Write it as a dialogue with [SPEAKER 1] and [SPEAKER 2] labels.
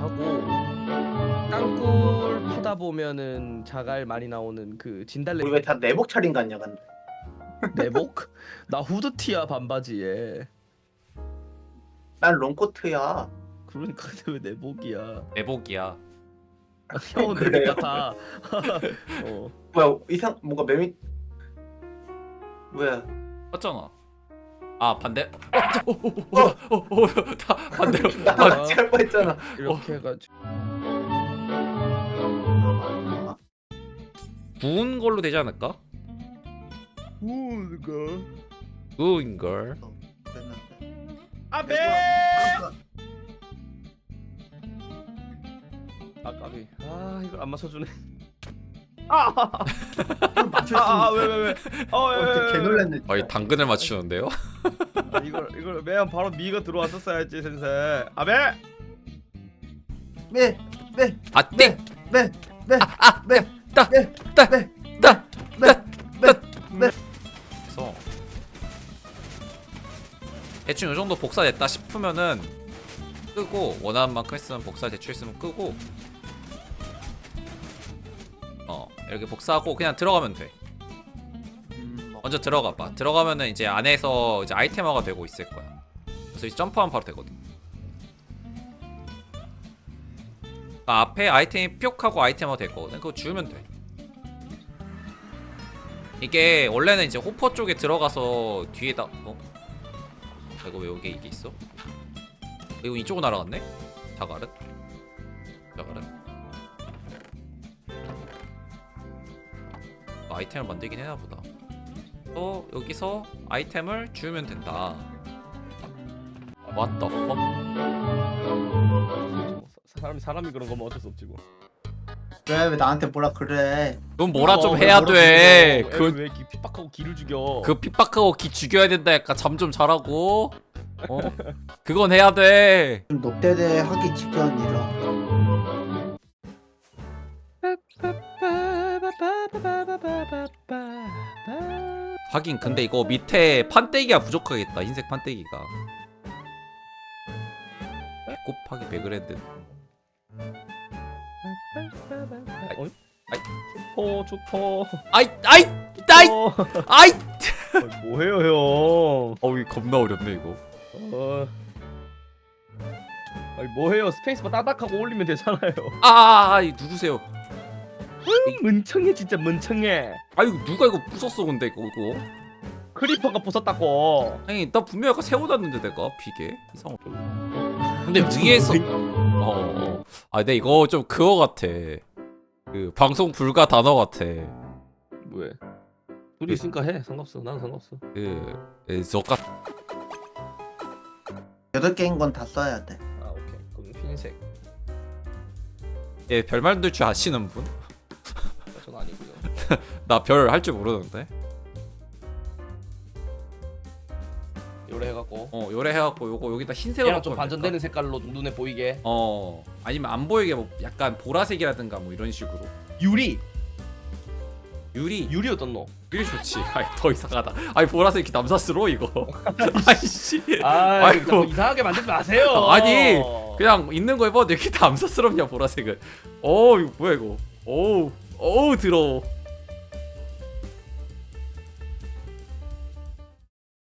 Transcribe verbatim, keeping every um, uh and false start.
[SPEAKER 1] 하고 땅굴 파다 보면은 자갈 많이 나오는 그 진달래
[SPEAKER 2] 우리 왜 다 내복 차림 같냐 근데.
[SPEAKER 1] 내복? 나 후드티야 반바지에.
[SPEAKER 2] 난 롱코트야.
[SPEAKER 1] 그러니까 근데 왜 내복이야?
[SPEAKER 3] 내복이야.
[SPEAKER 1] 형은 내복
[SPEAKER 2] 그래요?
[SPEAKER 1] 같아. 어.
[SPEAKER 2] 뭐야 이상 뭔가 매미 뭐야
[SPEAKER 3] 맞잖아. 아 반대. 어어어다 반대로.
[SPEAKER 2] 나
[SPEAKER 3] 반-
[SPEAKER 2] 같이 할 뻔했잖아.
[SPEAKER 1] 이렇게 해가지고
[SPEAKER 3] 구운 걸로 되지 않을까?
[SPEAKER 1] 우가
[SPEAKER 3] 구운 걸.
[SPEAKER 1] 아베 아 까비. 아 이걸 안 맞춰주네.
[SPEAKER 2] 맞출 수
[SPEAKER 1] 아왜 왜 왜? 어왜
[SPEAKER 2] 개 놀랐네.
[SPEAKER 3] 아이 당근을 맞추는데요?
[SPEAKER 1] 아, 이걸 이걸 매연 바로 미가 들어왔었어야지 센세. 아베.
[SPEAKER 2] 네, 네,
[SPEAKER 3] 아 땡.
[SPEAKER 2] 네, 네,
[SPEAKER 3] 아
[SPEAKER 2] 네,
[SPEAKER 3] 따.
[SPEAKER 2] 네,
[SPEAKER 3] 따.
[SPEAKER 2] 네,
[SPEAKER 3] 따.
[SPEAKER 2] 네, 네.
[SPEAKER 3] 그래서 대충 이 정도 복사됐다 싶으면은 끄고 원하는 만큼 했으면 복사 대충 했으면 끄고 어 이렇게 복사하고 그냥 들어가면 돼.
[SPEAKER 2] 음, 뭐.
[SPEAKER 3] 먼저 들어가 봐. 들어가면은 이제 안에서 이제 아이템화가 되고 있을 거야. 그래서 이제 점프하면 바로 되거든. 아, 앞에 아이템이 뿅하고 아이템화 될 거거든. 그거 주우면 돼. 이게 원래는 이제 호퍼 쪽에 들어가서 뒤에다 어? 아, 이거 왜 여기 이게 있어? 이거 이쪽으로 날아갔네? 자갈은? 자갈은? 아이템을 만들긴 해나 보다. 또 여기서 아이템을 주우면 된다. What the fuck?
[SPEAKER 1] 사람이 사람이 그런 거면 어쩔 수 없지 뭐.
[SPEAKER 2] 왜, 왜 나한테 뭐라 그래?
[SPEAKER 3] 넌 뭐라 좀
[SPEAKER 1] 어,
[SPEAKER 3] 해야
[SPEAKER 1] 뭐라
[SPEAKER 3] 돼.
[SPEAKER 1] 죽여.
[SPEAKER 3] 그,
[SPEAKER 1] 애를 왜 이렇게 핍박하고 기를 죽여?
[SPEAKER 3] 그 핍박하고 기 죽여야 된다. 약간 잠 좀 자라고. 어? 그건 해야 돼.
[SPEAKER 2] 좀 녹대대 하기 직전이라.
[SPEAKER 3] 하긴 근데 이거 밑에 판때기가 부족하겠다. 흰색 판때기가. 곱하기 백그랜드.
[SPEAKER 1] 어이?
[SPEAKER 3] 아이.
[SPEAKER 1] 어 좋다.
[SPEAKER 3] 아이 아이 아이
[SPEAKER 1] 어,
[SPEAKER 3] 아이.
[SPEAKER 1] 어, 뭐해요 형?
[SPEAKER 3] 어우 겁나 어렵네 이거.
[SPEAKER 1] 어. 아니 뭐해요? 스페이스바 따닥하고 올리면 되잖아요.
[SPEAKER 3] 아, 아, 아 누구세요?
[SPEAKER 1] 음, 문청해 진짜 문청해.
[SPEAKER 3] 아유 누가 이거 부쉈어 근데 이거 이거.
[SPEAKER 1] 크리퍼가 부쉈다고.
[SPEAKER 3] 아니 나 분명히 아까 세워놨는데 내가 비계 이상하다. 근데 위에서 어, 어. 아 근데 이거 좀 그거 같아. 그 방송 불가 단어 같아.
[SPEAKER 1] 뭐해? 둘이 있으니까 해. 상관없어. 난 상관없어.
[SPEAKER 3] 그 저가
[SPEAKER 2] 여덟 개인 건 다 써야 돼.
[SPEAKER 1] 아 오케이. 그럼 흰색.
[SPEAKER 3] 예, 별 만들 줄 아시는 분?
[SPEAKER 1] 전 아니고요.
[SPEAKER 3] 나 별 할 줄 모르는데.
[SPEAKER 1] 요래 해갖고.
[SPEAKER 3] 어 요래 해갖고 요거 여기다 흰색으로
[SPEAKER 1] 얘랑 좀
[SPEAKER 3] 바꾸면
[SPEAKER 1] 반전되는
[SPEAKER 3] 될까?
[SPEAKER 1] 색깔로 좀 눈에 보이게.
[SPEAKER 3] 어 아니면 안 보이게 뭐 약간 보라색이라든가 뭐 이런 식으로.
[SPEAKER 1] 유리.
[SPEAKER 3] 유리
[SPEAKER 1] 유리 어떤 노?
[SPEAKER 3] 유리 좋지. 아이 더 이상하다. 아니 보라색이 남사스러워 이거. 아이씨.
[SPEAKER 1] 아,
[SPEAKER 3] 아이고.
[SPEAKER 1] 자꾸 이상하게 만들지 마세요.
[SPEAKER 3] 아니, 그냥 있는 거 해봐. 왜 이렇게 남사스럽냐 보라색은. 어 이거 뭐야 이거. 어우 어우 더러워.